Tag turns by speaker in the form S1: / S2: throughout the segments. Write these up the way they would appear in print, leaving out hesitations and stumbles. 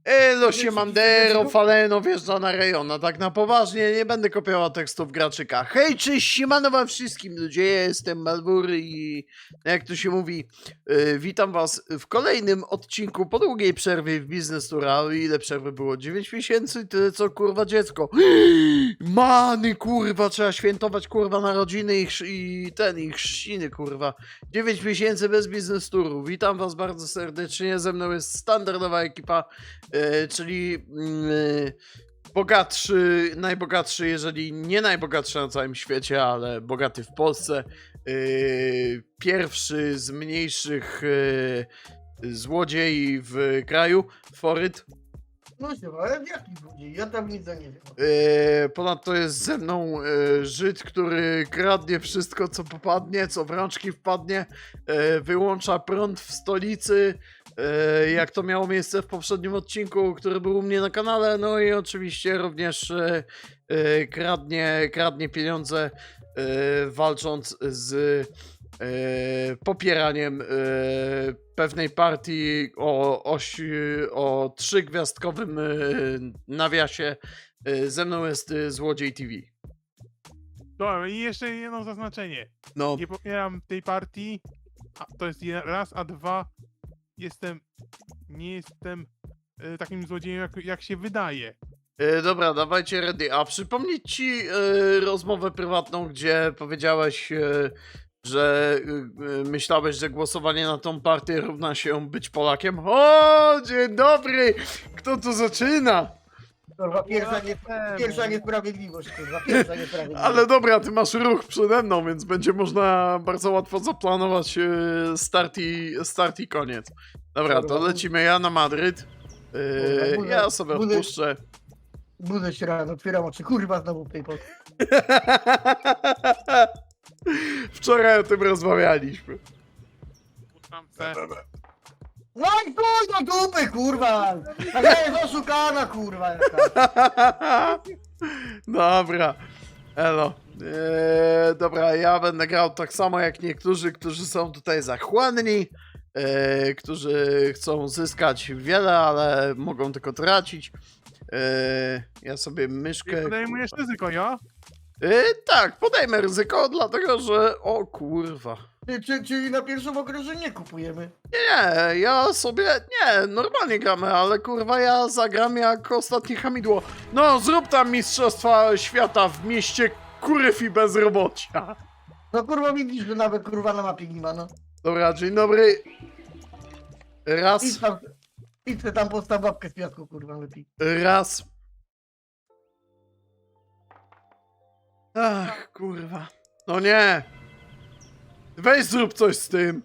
S1: Elo, siemandero, faleno, wjeżdża na rejon. A tak na poważnie, nie będę kopiował tekstów graczyka. Hej, cześć, siemano wam wszystkim ludzie, ja jestem Malwur i jak to się mówi, witam was w kolejnym odcinku po długiej przerwie w Business Tour. Ile przerwy było? 9 miesięcy? Tyle co kurwa dziecko. Many kurwa, trzeba świętować kurwa narodziny i chrzciny kurwa. 9 miesięcy bez Business Touru. Witam was bardzo serdecznie, ze mną jest standardowa ekipa, czyli bogatszy, najbogatszy, jeżeli nie najbogatszy na całym świecie, ale bogaty w Polsce. Pierwszy z mniejszych złodziei w kraju, Foryt.
S2: No się, ale jaki złodziej? Ja tam nic nie wiem.
S1: Ponadto jest ze mną Żyd, który kradnie wszystko, co popadnie, co w rączki wpadnie, wyłącza prąd w stolicy, jak to miało miejsce w poprzednim odcinku, który był u mnie na kanale, no i oczywiście również kradnie pieniądze, walcząc z popieraniem pewnej partii o 3-gwiazdkowym nawiasie. Ze mną jest Złodziej TV.
S3: Dobra, i jeszcze jedno zaznaczenie.
S1: No,
S3: Nie popieram tej partii. To jest raz, a dwa. Nie jestem takim złodziejem, jak się wydaje.
S1: dobra, dawajcie ready. A przypomnieć ci rozmowę prywatną, gdzie powiedziałeś, że myślałeś, że głosowanie na tą partię równa się być Polakiem? O, dzień dobry! Kto tu zaczyna?
S2: Kurwa, pierwsza niesprawiedliwość, kurwa, pierwsza niesprawiedliwość.
S1: Ale dobra, ty masz ruch przede mną, więc będzie można bardzo łatwo zaplanować start i koniec. Dobra, to lecimy ja na Madryt. Ja sobie odpuszczę.
S2: Budzę się rano, otwieram oczy, kurwa, znowu w tej Polsce.
S1: Wczoraj o tym rozmawialiśmy.
S3: Puszczam se.
S2: No i kurwa, dupy, kurwa! A ja jest oszukana, kurwa, jaka.
S1: Dobra, elo. Dobra, ja będę grał tak samo jak niektórzy, którzy są tutaj zachłanni, którzy chcą zyskać wiele, ale mogą tylko tracić. Ja sobie myszkę...
S3: Podejmujesz ryzyko, ja?
S1: Tak, podejmę ryzyko, dlatego że... O kurwa.
S2: Czyli na pierwszym okresie nie kupujemy.
S1: Nie, ja sobie... Nie, normalnie gramy, ale kurwa ja zagram jak ostatnie hamidło. No, zrób tam mistrzostwa świata w mieście kuryw i bezrobocia.
S2: No kurwa, widzisz, że nawet kurwa na mapie nie ma, no.
S1: Dobra, dzień dobry. Raz,
S2: Idź tam postaw babkę z piasku, kurwa, lepiej.
S1: raz. Ach, kurwa. No nie. Weź zrób coś z tym.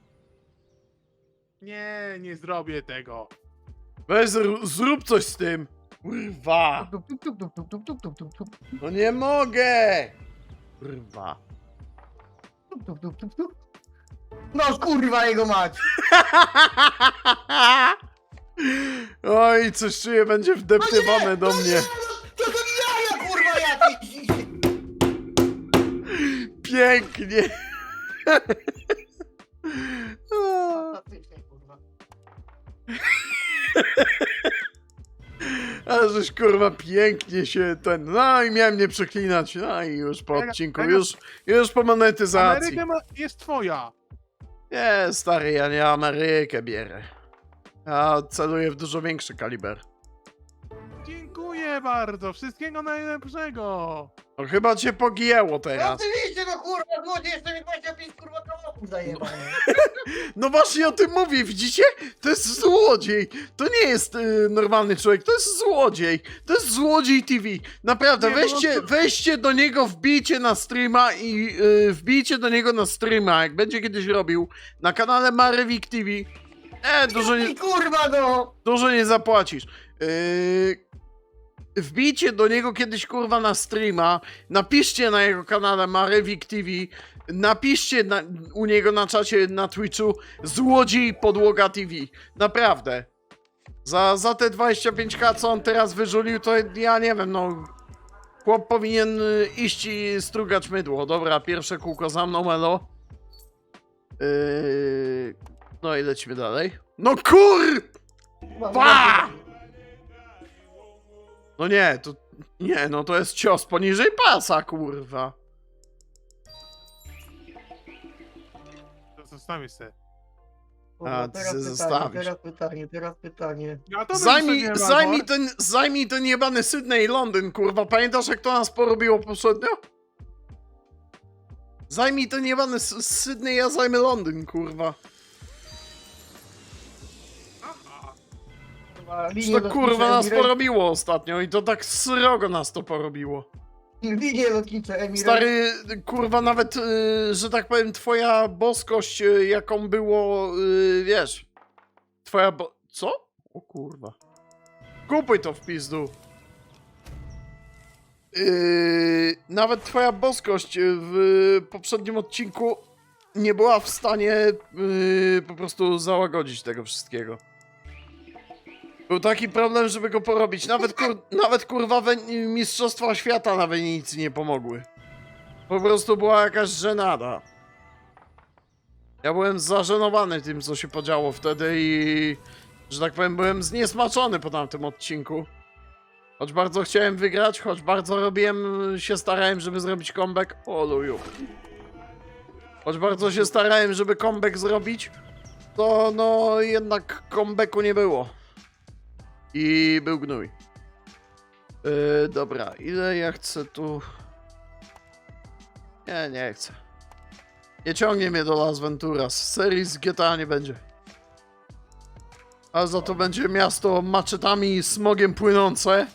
S3: Nie zrobię tego.
S1: Weź zrób coś z tym. Kurwa.
S2: Tup, tup, tup, tup, tup, tup, tup, tup, tup, tup,
S1: No nie mogę. Kurwa.
S2: tup, tup, tup, tup, tup. No kurwa jego mać!
S1: Oj, coś czuję, będzie wdeptywane do mnie.
S2: To jaja, kurwa, jakieś!
S1: Pięknie. O,
S2: Fantastycznie, kurwa.
S1: ale żeś kurwa pięknie się ten... No i miałem nie przeklinać. No i już po odcinku, już po monetyzacji.
S3: Ameryka jest twoja.
S1: Nie, stary, ja nie Amerykę bierę. Ja celuję w dużo większy kaliber.
S3: Dziękuję bardzo. Wszystkiego najlepszego.
S1: No chyba cię pogięło
S2: No
S1: teraz.
S2: oczywiście, no kurwa, złodziej jeszcze mi 25 kurwa kawałków zajebał.
S1: No właśnie o tym mówię, widzicie? To jest złodziej. To nie jest normalny człowiek, to jest złodziej. To jest Złodziej TV. Naprawdę,
S3: Nie, no
S1: weźcie do niego, wbijcie na streama i wbijcie do niego na streama, jak będzie kiedyś robił, na kanale Marewik TV.
S2: Kurwa, no!
S1: Dużo nie zapłacisz. Wbijcie do niego kiedyś kurwa na streama, napiszcie na jego kanale Marewik TV, napiszcie u niego na czacie na Twitchu Złodziej Podłoga TV. Naprawdę. Za te 25k, co on teraz wyżulił, to ja nie wiem, no... Chłop powinien iść i strugać mydło. Dobra, pierwsze kółko za mną, elo. No i lecimy dalej. No kur... Pa! No nie, to... Nie, no to jest cios poniżej pasa, kurwa.
S3: To zostawię se.
S2: Kurwa,
S1: A, ty se zostawisz.
S2: teraz pytanie.
S3: Ja to bym sobie nie
S1: Zajmij ten jebany Sydney i Londyn, kurwa. Pamiętasz, jak to nas porobiło poprzednio? Zajmij ten jebany Sydney, ja zajmę Londyn, kurwa.
S2: Kurwa,
S1: Czy
S2: linie
S1: to kurwa
S2: lotnicze
S1: nas
S2: Emirates-
S1: porobiło ostatnio i to tak srogo nas to porobiło.
S2: Linie lotnicze Emirates.
S1: Stary, kurwa, nawet, że tak powiem, twoja boskość, jaką było, wiesz, Co? O kurwa. Kupuj to w pizdu. Nawet twoja boskość w poprzednim odcinku nie była w stanie po prostu załagodzić tego wszystkiego. Był taki problem, żeby go porobić. Nawet kurwa Mistrzostwa Świata na Wenicy nie pomogły. Po prostu była jakaś żenada. Ja byłem zażenowany tym, co się podziało wtedy i... że tak powiem, byłem zniesmaczony po tamtym odcinku. Choć bardzo chciałem wygrać, choć bardzo starałem, żeby zrobić comeback. O luju. Choć bardzo się starałem, żeby comeback zrobić, to no jednak comebacku nie było. I był gnój. Dobra, ile ja chcę tu... Nie chcę. Nie ciągnie mnie do Las Venturas. Serii z GTA nie będzie. A za to będzie miasto maczetami i smogiem płynące.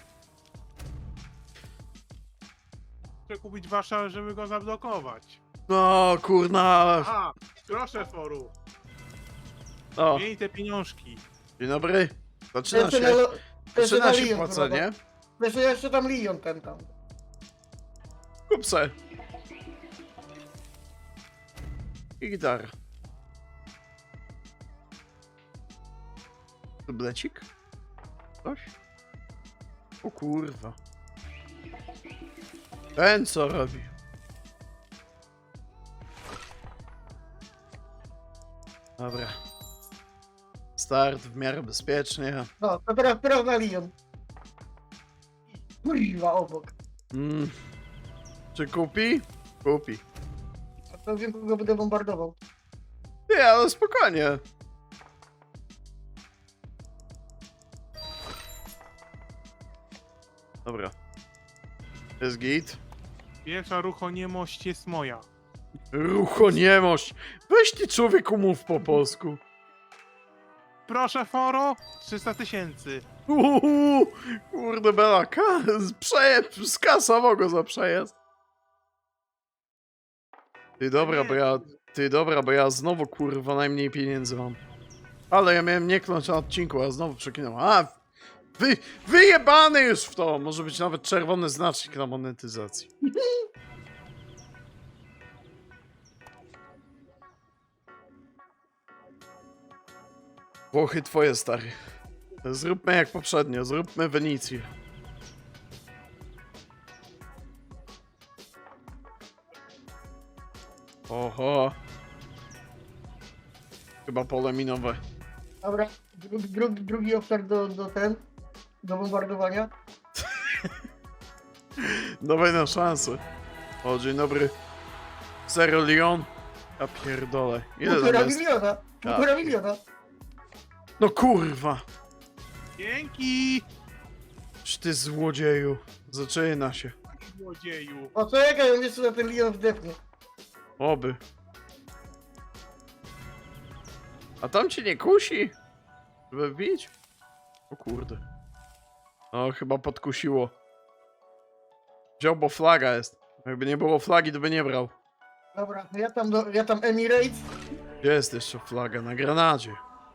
S3: Muszę kupić Warszawę, żeby go zablokować.
S1: No kurna.
S3: A, proszę foru.
S1: O,
S3: Miej te pieniążki.
S1: dzień dobry. Zaczyna
S2: Jeszcze
S1: się,
S2: na lo- jeszcze
S1: zaczyna
S2: na
S1: się
S2: Lyon,
S1: płacenie.
S2: kurwa. Jeszcze tam Lyon ten tam.
S1: Kup se. I gitara. Tablecik? Coś? O kurwa. Ten co robi? Dobra. Start w miarę bezpiecznie.
S2: No, to teraz na Lyon. Kurwa, obok.
S1: Czy kupi? Kupi.
S2: A to wiem, kogo będę bombardował.
S1: Nie, ale spokojnie. Dobra. Jest git.
S3: Pierwsza ruchoniemość jest moja.
S1: Ruchoniemość. Weź ty człowieku mów po polsku.
S3: Proszę foro, 300 000.
S1: Kurde bela, skasował go za przejazd. Ty dobra, bo ja znowu kurwa najmniej pieniędzy mam. Ale ja miałem nie kląć na odcinku, a znowu przekinam. Wyjebany już w to! Może być nawet czerwony znacznik na monetyzacji. Włochy twoje, stary. Zróbmy jak poprzednio, zróbmy Wenicję. Oho. Chyba pole minowe.
S2: Dobra, drugi obszar do bombardowania.
S1: Dawaj na szansę. O, dzień dobry. Zero Lyon. Ja pierdolę. Ile tam
S2: 1,5
S1: jest?
S2: miliona. 1,5 miliona.
S1: No kurwa.
S3: Dzięki,
S1: Czy ty złodzieju. Zaczyna się.
S3: złodzieju.
S2: O, czekaj, on jeszcze na ten Lyon wdepnie.
S1: Oby. A tam cię nie kusi? Żeby wbić? O kurde. No, chyba podkusiło. Wziął, bo flaga jest. Jakby nie było flagi, to by nie brał.
S2: Dobra, ja tam Emirates.
S1: Gdzie jest jeszcze flaga? Na granadzie.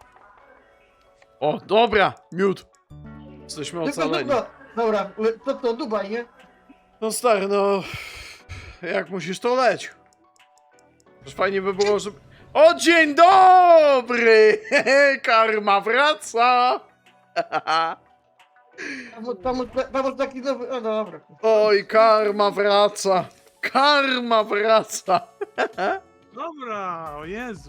S1: O, dobra! Miód! Jesteśmy ocaleni.
S2: Dobra, to Dubaj, nie?
S1: No stary, no... Jak musisz, to leć. Już fajnie by było, żeby... O, dzień dobry! Karma wraca!
S2: Tam taki nowy... O, dobra.
S1: Oj, karma wraca! Karma wraca!
S3: Dobra, o Jezu.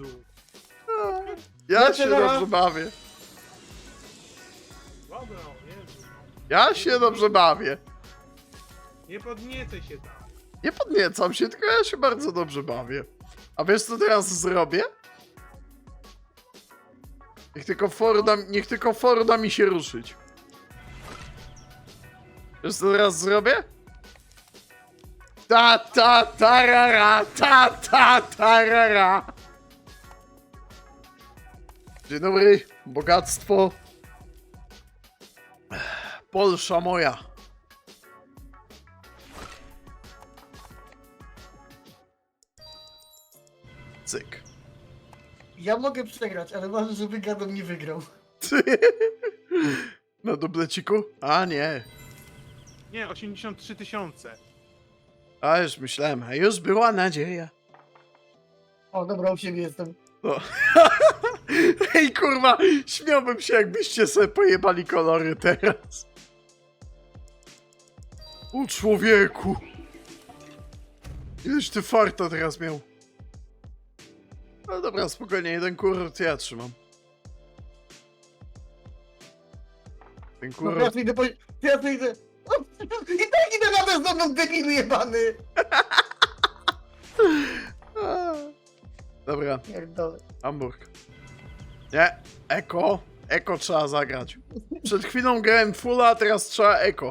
S1: Ja
S2: Lecę
S1: się
S2: na-
S1: dobrze bawię.
S3: Dobra, o Jezu.
S1: Ja się dobrze bawię.
S3: Nie podniecaj się tam.
S1: Nie podniecam się, tylko ja się bardzo dobrze bawię. A wiesz co teraz zrobię? Niech tylko for da mi się ruszyć. Wiesz co teraz zrobię? Ta ta tarara, ta ta tarara. Dzień dobry, bogactwo. Polsza moja. Cyk.
S2: Ja mogę przegrać, ale ważne, żeby Gadon nie wygrał.
S1: Na dubleciku? A nie.
S3: Nie, 83 000.
S1: A już myślałem, a już była nadzieja.
S2: O, dobra, u siebie jestem.
S1: No. Ej kurwa, śmiałbym się jakbyście sobie pojebali kolory teraz. O człowieku. Ileś ty farta teraz miał. No dobra, spokojnie, jeden kurort ja trzymam. Ten
S2: No
S1: kurort...
S2: teraz idę po... Teraz idę... O, i tak idę na ten znowu debilu jebany!
S1: A. Dobra,
S2: Pierdolę.
S1: Hamburg. Nie, Eko. Eko trzeba zagrać. Przed chwilą grałem fulla, a teraz trzeba Eko.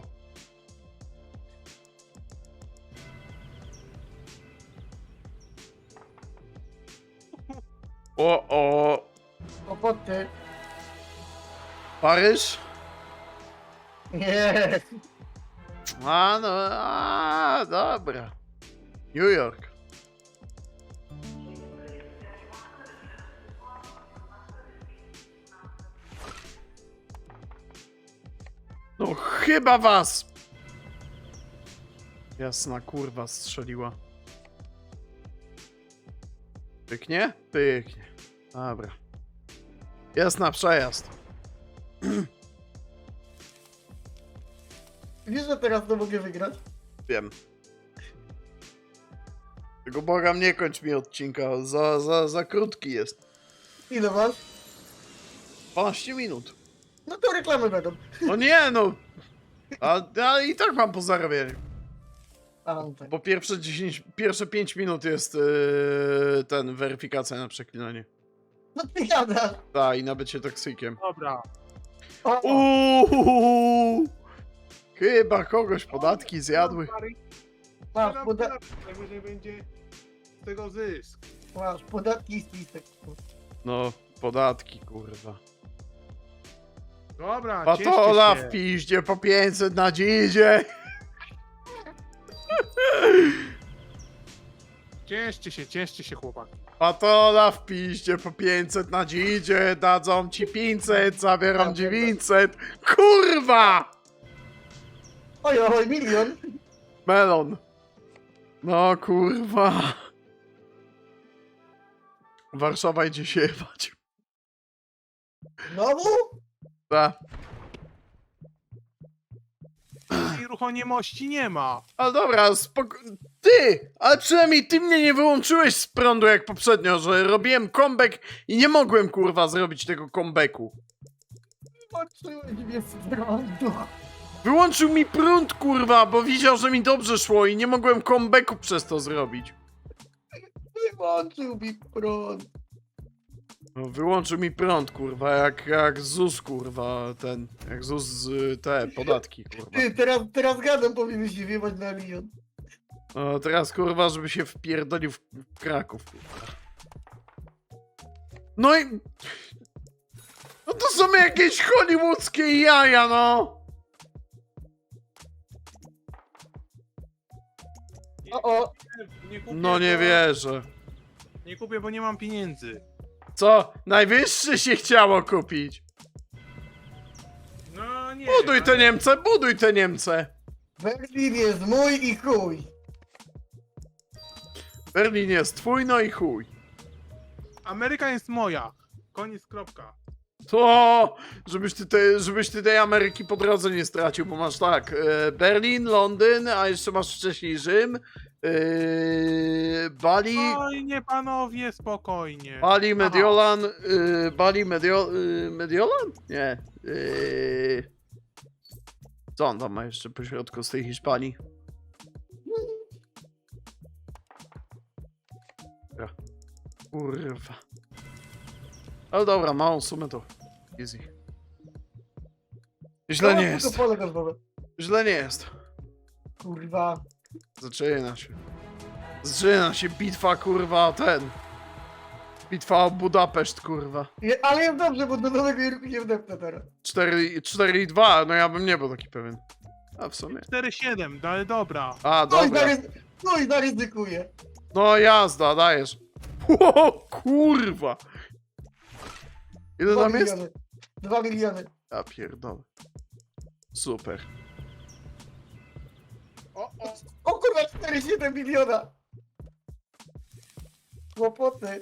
S1: O,
S2: Kłopoty.
S1: Paryż?
S2: Nie.
S1: A no, a, dobra. New York. No chyba was! Jasna kurwa strzeliła. Pyknie? Pyknie. Dobra. Jasna przejazd.
S2: Wiesz, że teraz to mogę wygrać?
S1: Wiem. Tego błagam, nie kończ mi odcinka. Za krótki jest.
S2: Ile masz?
S1: 12 minut.
S2: No to reklamy będą.
S1: No nie no. A i tak mam po zarabianiu.
S2: A, no tak.
S1: Bo pierwsze 5 minut jest ten weryfikacja na przeklinanie.
S2: No ty gadasz.
S1: Tak, i na bycie toksykiem.
S3: Dobra.
S2: O,
S1: Uuuu! Chyba kogoś podatki zjadły.
S2: masz,
S3: Najwyżej będzie z tego zysk.
S2: masz podatki i spisek.
S1: No, podatki, kurwa.
S3: Dobra,
S1: Patola
S3: cieszcie
S1: w
S3: się.
S1: piździe po 500 na dzidzie.
S3: Cieszcie się chłopaki.
S1: Patola w piździe po 500 na dzidzie. Dadzą ci 500, zabieram 900. Kurwa!
S2: Oj, oj, milion.
S1: Melon. No kurwa. Warszawa idzie się jebać.
S2: Znowu?
S1: Ta.
S3: I ruchoniemości nie ma.
S1: Ale dobra, Ty! Ale przynajmniej ty mnie nie wyłączyłeś z prądu jak poprzednio, że robiłem comeback i nie mogłem kurwa zrobić tego comebacku.
S2: Patrzyłeś mnie z prądu.
S1: Wyłączył mi prąd kurwa, bo widział, że mi dobrze szło i nie mogłem comebacku przez to zrobić.
S2: Wyłączył mi prąd.
S1: No, wyłączył mi prąd kurwa, jak ZUS kurwa, jak ZUS te podatki kurwa.
S2: Ty, teraz gadam powinien się wiewać na milion.
S1: No teraz kurwa, żeby się wpierdolił w Kraków kurwa. No i... No to są jakieś hollywoodzkie jaja no!
S2: O,
S3: Nie kupię,
S1: No nie
S3: bo-
S1: wierzę.
S3: Nie kupię, bo nie mam pieniędzy.
S1: Co? Najwyższy się chciało kupić.
S3: No nie.
S1: Buduj te
S3: ale-
S1: Niemce, buduj te Niemce.
S2: Berlin jest mój i chuj.
S1: Berlin jest twój, no i chuj.
S3: Ameryka jest moja. Koniec, kropka.
S1: To, żebyś ty tej Ameryki po drodze nie stracił, bo masz tak, Berlin, Londyn, a jeszcze masz wcześniej Rzym, Bali,
S3: Spokojnie, panowie, spokojnie.
S1: Bali, Mediolan, Bali, Mediolan? Nie. Co on tam ma jeszcze po środku z tej Hiszpanii? Ja. Kurwa. Ale dobra, małą sumę to easy. Źle nie jest.
S2: Tylko pole golfowe.
S1: Źle nie jest.
S2: Kurwa.
S1: Zaczyna się. Zaczyna się bitwa, kurwa, Bitwa o Budapeszt, kurwa.
S2: Ale jest dobrze, bo do nowego Jorku się wdepnę teraz.
S1: 4-2, no ja bym nie był taki pewien. A w sumie.
S3: 4-7, no ale dobra.
S1: A, dobra.
S2: No i zaryzykuję.
S1: No jazda, dajesz. O, kurwa. Ile
S2: 2
S1: tam jest?
S2: miliony. 2 miliony.
S1: Ja pierdolę. Super.
S2: O kurwa, 4,7 miliona. Kłopoty.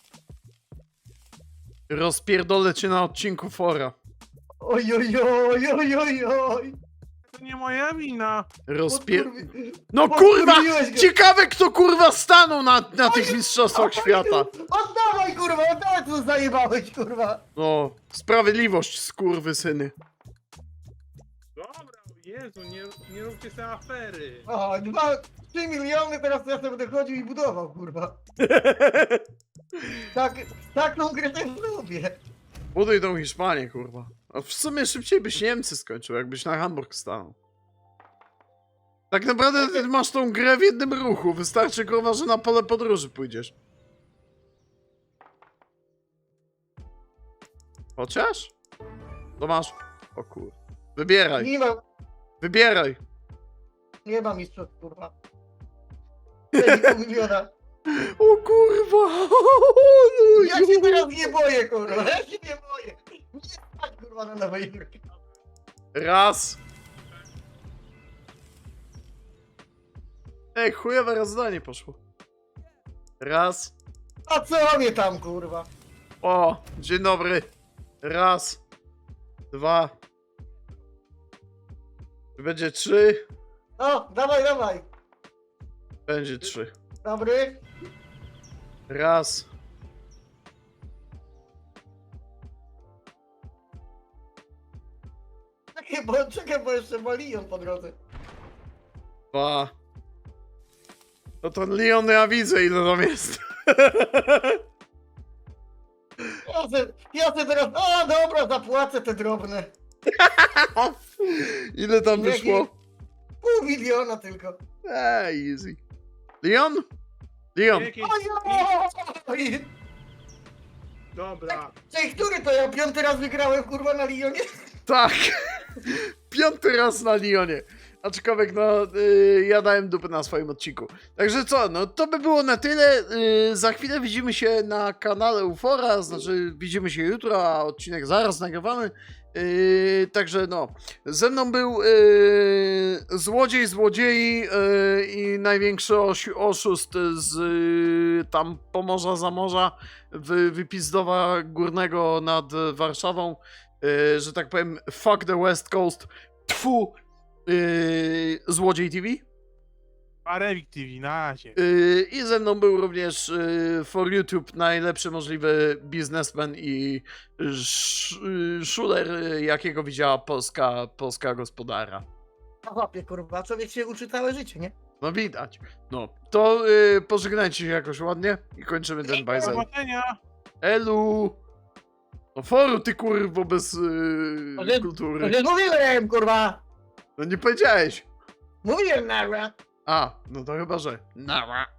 S1: Rozpierdolę cię na odcinku fora.
S2: Oj, oj, oj, oj, oj, oj.
S3: To nie moja wina.
S1: No kurwa!
S2: Odkurwiłeś go.
S1: Ciekawe kto kurwa stanął na tych mistrzostwach świata.
S2: Oddawaj, kurwa, oddawaj, co zajebałeś, kurwa.
S1: No, sprawiedliwość, skurwysyny.
S3: Dobra, o Jezu, nie róbcie sobie afery.
S2: O, 3 miliony, teraz ja sobie będę chodził i budował, kurwa. Taką grę też lubię.
S1: Buduj tą Hiszpanię, kurwa. A w sumie szybciej byś Niemcy skończył, jakbyś na Hamburg stanął. Tak naprawdę ty masz tą grę w jednym ruchu. Wystarczy, kurwa, że na pole podróży pójdziesz. Chociaż? To masz... O kur... Wybieraj, wybieraj.
S2: Nie ma mistrzostw, kurwa. 4,5 miliona.
S1: O kurwa!
S2: Ja się teraz nie boję, kurwa, ja się nie boję. Nie stać, kurwa, na nowej Jorku.
S1: Raz. Ej, chujowe rozdanie poszło. Raz.
S2: A co mnie tam, kurwa?
S1: O, dzień dobry. Raz. Dwa. Będzie 3.
S2: O, dawaj.
S1: Będzie 3.
S2: Dobry.
S1: Raz.
S2: Czekaj, bo jeszcze ma Lyon po drodze.
S1: 2. No to Leon, ja widzę ile tam jest.
S2: Ja se teraz, a dobra, zapłacę te drobne.
S1: Ile tam wyszło?
S2: 0,5 miliona tylko.
S1: Easy. Leon? Leon.
S3: Jakieś...
S2: Oj!
S3: Dobra.
S2: Cześć, który to ja 5. raz wygrałem, kurwa, na Lyonie?
S1: Tak. 5. raz na Lyonie. Aczkolwiek, no, ja dałem dupy na swoim odcinku. Także co, no to by było na tyle. Za chwilę widzimy się na kanale Ufora, znaczy widzimy się jutro, a odcinek zaraz nagrywamy. Także no, ze mną był złodziei i największy oszust z tam Pomorza za morza, Wypizdowa Górnego nad Warszawą, że tak powiem, fuck the West Coast, tfu, Złodziej TV.
S3: Arewik TV, na razie.
S1: I ze mną był również for YouTube najlepszy możliwy biznesmen i szuler, jakiego widziała polska gospodara.
S2: A łapie, kurwa, człowiek się uczy całe życie, nie?
S1: No widać. No, to pożegnajcie się jakoś ładnie i kończymy ten
S3: Do
S1: bajzel.
S3: zobaczenia.
S1: Elu! No foru ty kurwo bez kultury.
S2: Nie mówiłem, kurwa!
S1: No nie powiedziałeś.
S2: Mówiłem, nara!
S1: A, no to chyba, że. Nara.